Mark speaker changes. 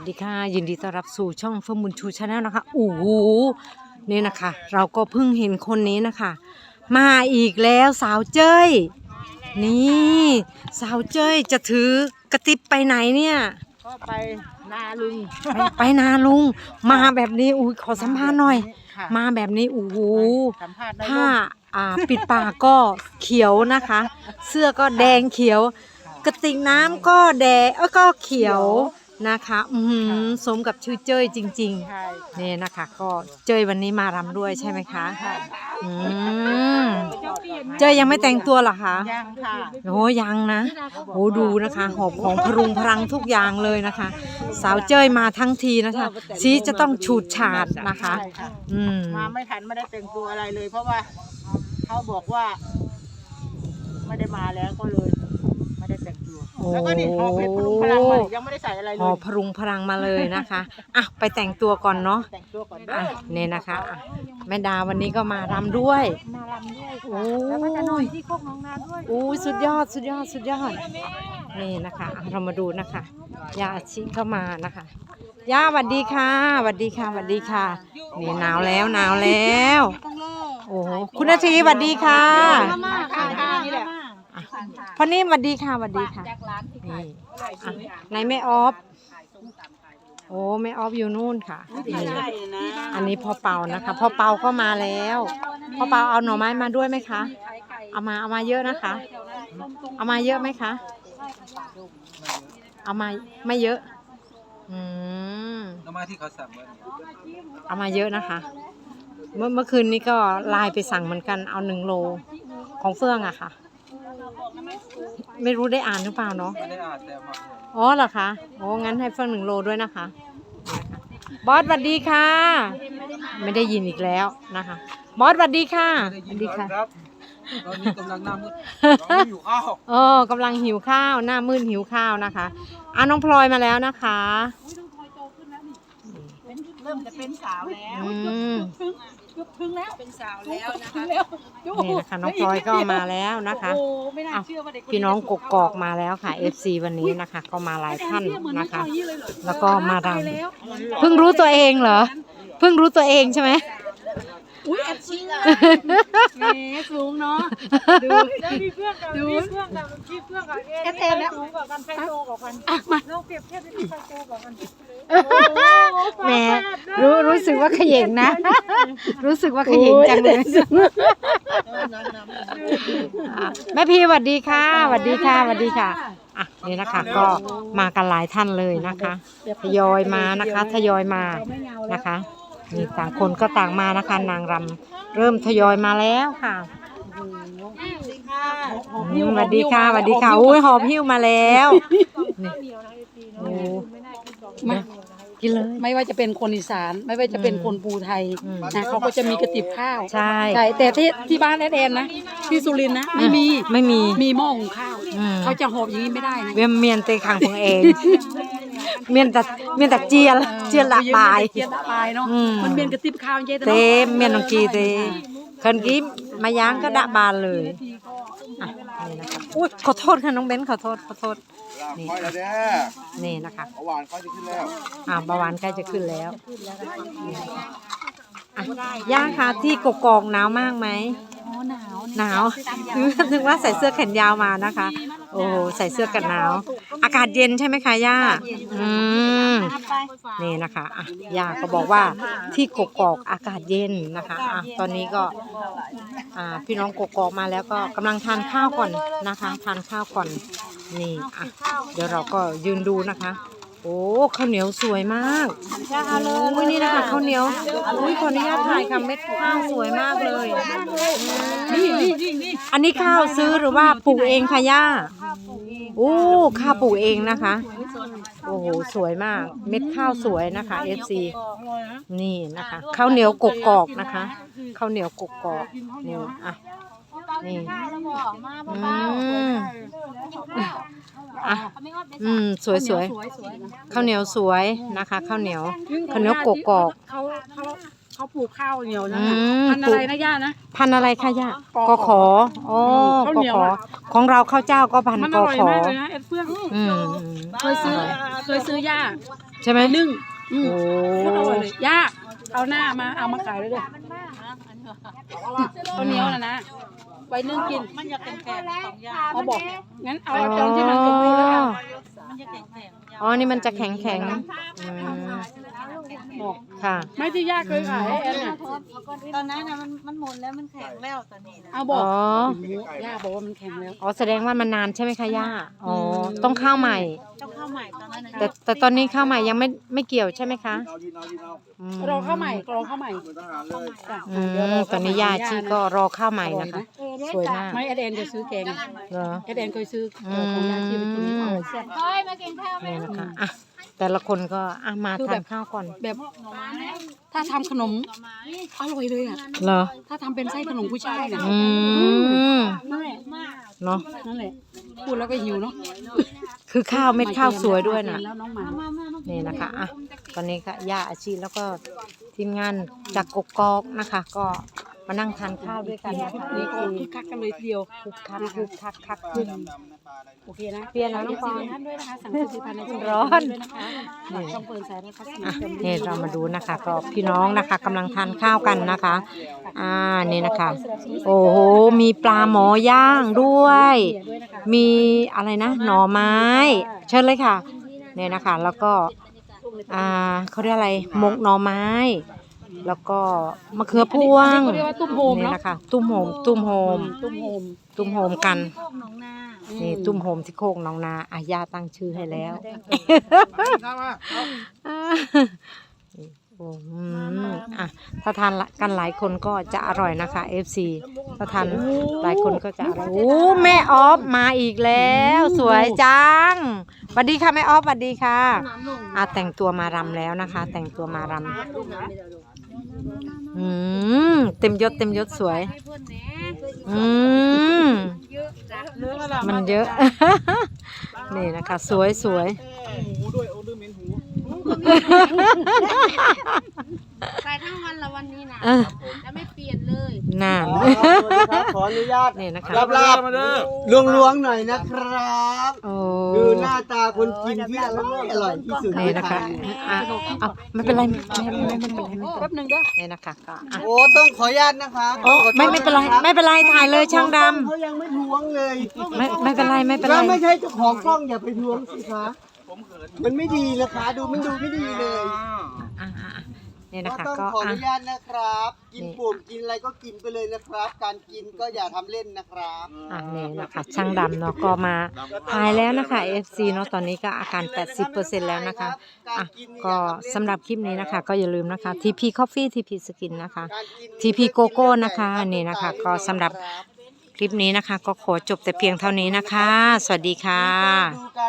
Speaker 1: ดีค่ะยินดีต้อนรับสู่ช่องเฟิร์มบุญชูชาแนลนะคะโอ้โหนี่นะคะเราก็เพิ่งเห็นคนนี้นะคะมาอีกแล้วสาวเจ้ยนี่สาวเจ้ยจะถือกระติบไปไหนเนี่ย
Speaker 2: ก็ไปนาลุง
Speaker 1: ไปนาลุงมาแบบนี้อุ้ยขอสัมภาษณ์หน่อยมาแบบนี้โอ้โหผ้าปิดปากก็เขียวนะคะ เสื้อก็แดงเขียวกระติกน้ำก็แดงก็เขียวนะคะสมกับชื่อเจ้ยจริงๆนี่นะคะก็เจ้ยวันนี้มารำด้วยใช่ไหมคะเจ้ยยังไม่แต่งตัวหรอคะ
Speaker 2: ยังค่ะ
Speaker 1: โอ้ยังนะโอ้ดูนะคะหอบของพรุงพรังทุกอย่างเลยนะคะสาวเจ้ยมาทั้งทีนะคะสีจะต้องฉูดฉาดนะคะ
Speaker 2: มาไม่ทันไม่ได้แต่งตัวอะไรเลย เพราะว่าเขาบอกว่าไม่ได้มาแล้วก็เลยไม่ได้แต่งตัวแล้วก็นี่หอบเพชรพลุงพลังมายังไม่ได้ใส่อะไรเลย
Speaker 1: หอบพรุงพรังมาเลยนะคะอ่ะไปแต่งตัวก่อนเนาะ
Speaker 2: แต่งตัวก่อน
Speaker 1: เนี่ยนะคะแม่ดาวันนี้ก็มารำด้วยโอ้
Speaker 2: แล้วก็จะนอนที่โคกน้องนาด้วย
Speaker 1: โอ้สุดยอดสุดยอดสุดยอดนี่นะคะเรามาดูนะคะย่าอาชิเข้ามานะคะย่าสวัสดีค่ะสวัสดีค่ะสวัสดีค่ะนี่หนาวแล้วหนาวแล้วโอ้คุณนาทีสวัสดีค่ะ
Speaker 2: นี่แหละ
Speaker 1: พอนี่สวัสดีค่ะสวัสดีค่ะนี่ในแม่ออฟโอ้แม่ออฟอยู่นู่นค่ะอันนี้พ่อเปานะคะพ่อเปาก็มาแล้วพ่อเปาเอาหน่อไม้มาด้วยไหมคะเอามาเยอะนะคะเอามาเยอะไหมคะเอามาไม่เยอะ
Speaker 3: เอามาที่เขาสั่งไว้
Speaker 1: เอามาเยอะนะคะเมื่อคืนนี้ก็ไลน์ไปสั่งเหมือนกันเอา1 โลของเฟื่องอะค่ะไม่รู้ได้อ่านหรือเปล่าเนาะ
Speaker 3: ไม่ได้อ่านแต่มา
Speaker 1: อ๋อเหรอคะโอ้งั้นให้เฟื่อง1 โลด้วยนะคะบอสสวัสดีค่ะไม่ได้ยินอีกแล้วนะคะบอสสวัสดีค่ะ
Speaker 3: สวัสดีค่ะตอนนี้กำลังหน้ามืดหิวข้าว
Speaker 1: กำลังหิวข้าวหน้ามืดหิวข้าวนะคะน้องพลอยมาแล้วนะคะ
Speaker 2: เริ่มจะเป็นสาวแล้ว
Speaker 1: ถึงแล้วเป็นสาวแล้วนะคะนี่นะคะน้องพลอยก็มาแล้วนะคะพี่น้องกกอกมาแล้วค่ะ FC วันนี้นะคะก็มาหลายท่านนะคะแล้วก็มารำเพิ่งรู้ตัวเองเหรอเพิ่งรู้ตัวเองใช่ไหม
Speaker 2: อุ้ยแอบชี้เลยแหมสูงเนาะดูมีเพื่อนกับมีเพื่อนกับมีเพื่อนกับเอ็นแล้วสูงกว่ากันใครโตกว่ากันมาลองเปรียบเทียบดิใครโตกว่ากัน
Speaker 1: แหมรู้สึกว่าขย่งนะรู้สึกว่าขย่งจังเลยแม่พี่สวัสดีค่ะสวัสดีค่ะสวัสดีค่ะนี่นะคะก็มากันหลายท่านเลยนะคะทยอยมานะคะทยอยมานะคะนี่ต่างคนก็ต่างมานะคะนางรำเริ่มทยอยมาแล้วค่ะสวัสดีค่ะสวัสดีค่ะอุ้ยหอบหิ้วมาแล้วโอ้มากินเลย
Speaker 2: ไม่ว่าจะเป็นคนอีสานไม่ว่าจะเป็นคนภูไทยนะเขาก็จะมีกระติบข้าว
Speaker 1: ใช่
Speaker 2: แต่ที่บ้านแอนนะที่สุรินทร์นะไม่มีหม้อหุงข้าวเขาจะหอบอย่างนี้ไม่ได้นะ
Speaker 1: เมียนเตะขังของเองเมียนแต่เจียละปลาย
Speaker 2: เนาะมันเมียนกระติบข้าวเจ๊
Speaker 1: เตเมียนองกีเตคนกี้มาย่างก็ดะบานเลยนี่นะคะอุ้ยขอโทษค่ะน้องเบนขอโทษนี่นะคะ
Speaker 3: เบาหวานใกล้จะขึ้นแล้ว
Speaker 1: เบาหวานใกล้จะขึ้นแล้วย่าค่ะที่กกอกหนาวมากไหมหนาวถึงว่าใส่เสื้อแขนยาวมานะคะโอ้ใส่เสื้อกันหนาวอากาศเย็นใช่ไหมคะย่านี่นะคะย่าก็บอกว่าที่กกอกอากาศเย็นนะคะตอนนี้ก็พี่น้องกกอกมาแล้วก็กำลังทานข้าวก่อนนะคะทานข้าวก่อนนี่เดี๋ยวเราก็ยืนดูนะคะโอ้ข้าวเหนียวสวยมากโอ้ยนี่นะคะข้าวเหนียวอุ้ยขออนุญาตถ่ายค่ะเม็ดข้าวสวยมากเลยอันนี้ข้าวซื้อหรือว่าปลูกเองคะย่าโอ้ข้าวปลูกเองนะคะโอ้โหสวยมากเม็ดข้าวสวยนะคะ FC นี่นะคะข้าวเหนียวกกอกนะคะข้าวเหนียวกกอกนี่นี่สวยข้าวเหนียวสวยนะคะข้าวเหนียวกกอก
Speaker 2: เขาปลูกข้าวเหนียวนะพันอะไรนะย่านะ
Speaker 1: พันอะไรคะย่ากขออ๋อกขอของเราข้าวเจ้าก็พันกขอ
Speaker 2: เคยซื้อย่า
Speaker 1: ใช่ไหม
Speaker 2: นึ่ง
Speaker 1: โอ้
Speaker 2: โคตรอร่อยเลยย่าเอาหน้ามาเอามาขายเลยเด้อข้าวเหนียวนะไว้นึ่งกิน
Speaker 4: มันจะแข็งของยา
Speaker 2: เอาบอกงั้นเอาตอนที่มันสมบูรณ์แล้วกัน
Speaker 4: มันจะแข็ง
Speaker 1: อ๋อนี่มันจะแข็งแข็ง
Speaker 2: บอก
Speaker 1: ค่ะ
Speaker 2: ไม่ที่ย่าเคยขายให้แอนน่ะ
Speaker 4: ตอนนั้นนะมันหมดแล้วมันแข็งแล้วตอนนี้นะ
Speaker 2: เอาบอ
Speaker 1: อ๋
Speaker 2: ก
Speaker 1: อ
Speaker 2: ย่าบอกว่ามันแข็งแล้ว
Speaker 1: อ๋อแสดงว่ามันนานใช่ไหมคะย่าอ๋อต้องข้าวใหม่
Speaker 4: ต้องเข้าใหม่ตอนนั้นนะ
Speaker 1: แต่ตอนนี้ข้าวใหม่ยังไม่เกี่ยวใช่ไหมคะอืม
Speaker 2: รอข้าวใหม่รอข้าวใหม่จ้ะ
Speaker 1: อืมตอนนี้ย่าชีก็รอข้าวใหม่นะคะ สวยมาก
Speaker 2: ไม่แอนจะซื้อแกง
Speaker 1: เหรอ
Speaker 2: แอนเคยซื้อของย่าชีไปกินนี่อร่อยแซ่บ
Speaker 1: นี่นะคะอ่ะแต่ละคนก็อ่ะมาทานข้าวก่อน
Speaker 2: แบบถ้าทำขนมอร่อยเลยอ่ะ
Speaker 1: เหรอ
Speaker 2: ถ้าทำเป็นไส้ขนมกุ้ยช่ายน่ะ
Speaker 1: อืม
Speaker 2: นั่นแหละ
Speaker 1: เนาะ
Speaker 2: นั่นแหละพูดแล้วก็หิวเนาะ
Speaker 1: คือข้าวเม็ดข้าวสวยด้วยนะ
Speaker 2: แล้วน้องหมา
Speaker 1: นี่นะคะอ่ะตอนนี้ก็ย่าอาชีแล้วก็ทีมงานจากกกอกนะคะ ก็มานั่งทานข้าวด้วยกันนะคะ
Speaker 2: นี่
Speaker 1: นี่
Speaker 2: ก็
Speaker 1: คือ
Speaker 2: คึกคักกันเลยทีเดียว
Speaker 1: คึกคักคึกคักคักคึก
Speaker 2: โอเคนะ
Speaker 1: เปลี่ยนแล้วน้องปอน
Speaker 2: ท่านด้วยนะคะสั่งซื้อพันในช่อง
Speaker 1: ร้อน
Speaker 2: ด้วยนะคะช่องเปิดสายนะคะ
Speaker 1: อ่ะนี่เรามาดูนะคะ ก็พี่น้องนะคะกำลังทานข้าวกันนะคะนี่นะคะ โอ้โหมีปลาหมอย่างด้วย มีอะไรนะหน่อไม้ เชิญเลยค่ะเนี่ยนะคะ แล้วก็เขาเรียกอะไรหมกหน่อไม้ แล้วก็มะเขือพวง
Speaker 2: เขาเรียกว่าตุ้มโฮม
Speaker 1: นี่
Speaker 2: เนาะ
Speaker 1: นะคะตุ้มโฮมตุ้มโฮม
Speaker 2: ตุ้มโฮม
Speaker 1: ตุ้มโฮมกัน
Speaker 4: โคกหนองนา
Speaker 1: นี่ตุ้มโฮมที่โคกหนองนาอาญาตั้งชื่อให้แล้วโอ้ถ้าทานกันหลายคนก็จะอร่อยนะคะ FC ถ้าทานหลายคนก็จะอร่อยโอ้แม่ออฟมาอีกแล้ว สวยจังสวัสดีค่ะแม่ออฟสวัสดีค่ะแต่งตัวมารำแล้วนะคะ แต่งตัวมารำเต็มยศสวยมันเยอะ นี่นะคะ สวย
Speaker 3: หูด้วยโอ้ดื้อเหม็นหู
Speaker 4: ใส่ทั้งวันละวันนี้นะ
Speaker 1: เออ
Speaker 4: แล้วไม่เปลี่ยนเลย
Speaker 1: นาน
Speaker 5: ขออนุญาต
Speaker 1: นี่นะคะ
Speaker 5: ลาบ
Speaker 3: มาเด้อ
Speaker 5: ล้วงๆหน่อยนะครับ
Speaker 1: โอ้
Speaker 5: ดูหน้าตาคนกินที่อร่อยที่สุด
Speaker 1: นี่นะคะเอาไม่เป็นไรไม่เป็นไร
Speaker 2: แป๊บหนึงเด้อ
Speaker 1: นี่นะคะก็อ่ะ
Speaker 5: โอ้ต้องขออนุญาตนะคะ
Speaker 1: โอ้ไม่เป็นไรไม่เป็นไรถ่ายเลยช่างดำ
Speaker 5: เขายังไม่ทวงเลย
Speaker 1: ไม่เป็นไรไม่เป็นไร
Speaker 5: แล้วไม่ใช่เจ้าของกล้องอย่าไปทวงสิคะมันไม่ดีนะคะดูไม่ดีเลย
Speaker 1: นี่นะ
Speaker 5: ก็
Speaker 1: คะ
Speaker 5: ต้อง
Speaker 1: ก็
Speaker 5: ขออนุญาตนะครับ กินปุ่มกินอะไรก็กินไปเลยนะครับ การกินก็อย่าทำเล่นนะครับ
Speaker 1: นี่นะคะช่างดำเนาะก็มาถ่ายแล้วนะคะ FC เนาะตอนนี้ก็อาการ 80% แล้วนะคะก็สำหรับคลิปนี้นะคะ ก็อย่าลืมนะคะ TP Coffee TP Skin นะคะ TP Gogo นะคะนี่นะคะ ก็สำหรับคลิปนี้นะคะ ก็ขอจบแต่เพียงเท่านี้นะคะ สวัสดีค่ะ